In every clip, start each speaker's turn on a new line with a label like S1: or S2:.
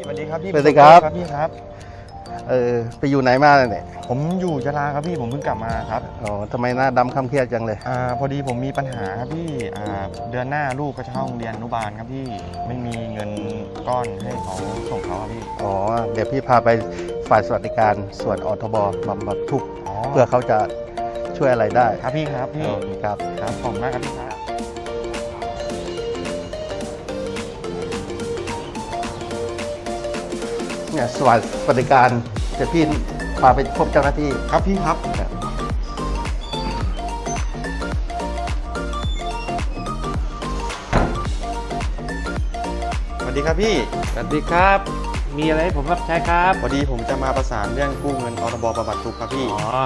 S1: วัสดีครับพี่
S2: สวัสดีครับ
S1: พี่ครับ
S2: ไปอยู่ไหนมาเนี่ย
S1: ผมอยู่ยะลาครับพี่ผมเพิ่งกลับมาครับ
S2: อ๋อทำไมหน้าดำคำเครียดจังเลย
S1: พอดีผมมีปัญหาครับพี่เดือนหน้าลูกก็จะเข้าโรงเรียนอนุบาลครับพี่ไม่มีเงินก้อนให้เขาส่งเขาครับพี่
S2: อ๋อ เดี๋ยวพี่พาไปฝ่ายสวัสดิการส่วนอทบบำบัดทุกข์เพื่อเขาจะช่วยอะไรได้
S1: ครับพี่ครับพี่
S2: ครับ
S1: ครับขอบคุณมากครับพี่ครับ
S2: เนี่ยสวัสดิการเดี๋ยวพี่พาไปพบเจ้าหน้าที่
S1: ครับพี่ครับสวัสดีครับพี่
S3: สวัสดีครับ มีอะไรให้ผมรับใช้ครับ
S1: พอดีผมจะมาประสานเรื่องกู้เงินอทบบำบัดทุกข์ครับพี่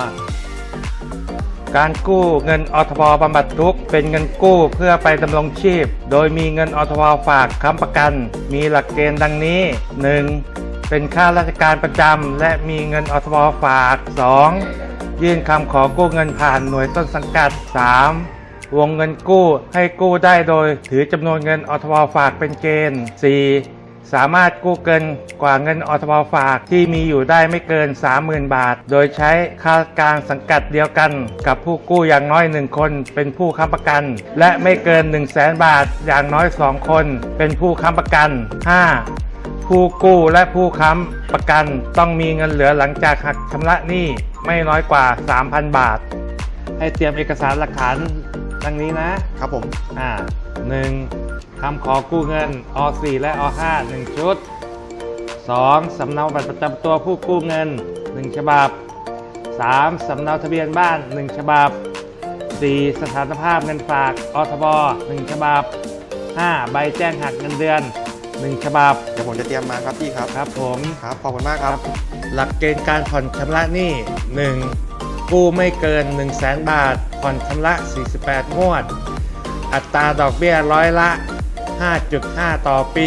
S3: การกู้เงินอทบบำบัดทุกข์เป็นเงินกู้เพื่อไปดำรงชีพ โดยมีเงินอทบฝากค้ำประกัน มีหลักเกณฑ์ดังนี้ 1. เป็นข้าราชการประจำและมีเงินอทบฝาก 2. ยื่นคำขอกู้เงินผ่านหน่วยต้นสังกัด 3. วงเงินกู้ให้กู้ได้โดยถือจำนวนเงินอทบฝากเป็นเกณฑ์ 4. สามารถกู้เกินกว่าเงินอทบฝากที่มีอยู่ได้ไม่เกิน 30,000 บาท โดยใช้ข้าราชการสังกัดเดียวกันกับผู้กู้อย่างน้อย1คนเป็นผู้ค้ำประกัน และไม่เกิน 100,000 บาทอย่างน้อย2คนเป็นผู้ค้ำประกัน 5. ผู้กู้และผู้ค้ำประกันต้องมีเงินเหลือหลังจากหักชำระหนี้ไม่น้อยกว่า 3,000 บาท ให้เตรียมเอกสารหลักฐานดังนี้นะครับ
S1: ผม
S3: 1. คำขอกู้เงินอ4และอ5 1 ชุด 2. สำเนาบัตรประจำตัวผู้กู้เงิน1ฉบับ 3. สำเนาทะเบียนบ้าน1ฉบับ 4. สถานภาพเงินฝากอทบ1ฉบับ 5. ใบแจ้งหักเงินเดือน1ฉบับ
S1: เดี๋ยวผมจะเตรียมมาครับพี่ครับ
S3: ครับผม
S1: ครับขอบคุณมากครับ
S3: หลักเกณฑ์การผ่อนชำระหนี้ 1. กู้ไม่เกิน 100,000 บาทผ่อนชำระ48 งวด อัตราดอกเบี้ยร้อยละ 5.5 ต่อปี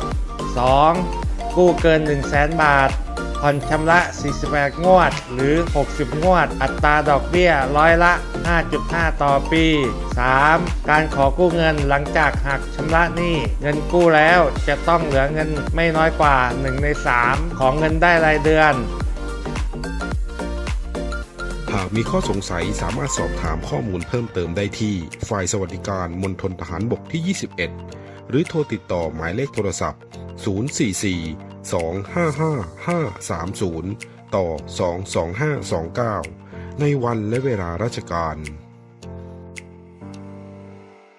S3: 2. กู้เกิน 100,000 บาทผ่อนชำระ48 งวดหรือ 60 งวด อัตราดอกเบี้ยร้อยละ 5.5 ต่อปี 3. การขอกู้เงินหลังจากหักชำระหนี้เงินกู้แล้วจะต้องเหลือเงินไม่น้อยกว่า 1 ใน 3 ของเงินได้รายเดือน
S4: หากมีข้อสงสัยสามารถสอบถามข้อมูลเพิ่มเติมได้ที่ฝ่ายสวัสดิการมณฑลทหารบกที่ 21 หรือโทรติดต่อหมายเลขโทรศัพท์ 044-255-530 ต่อ 22529 ในวันและเวลาราชการ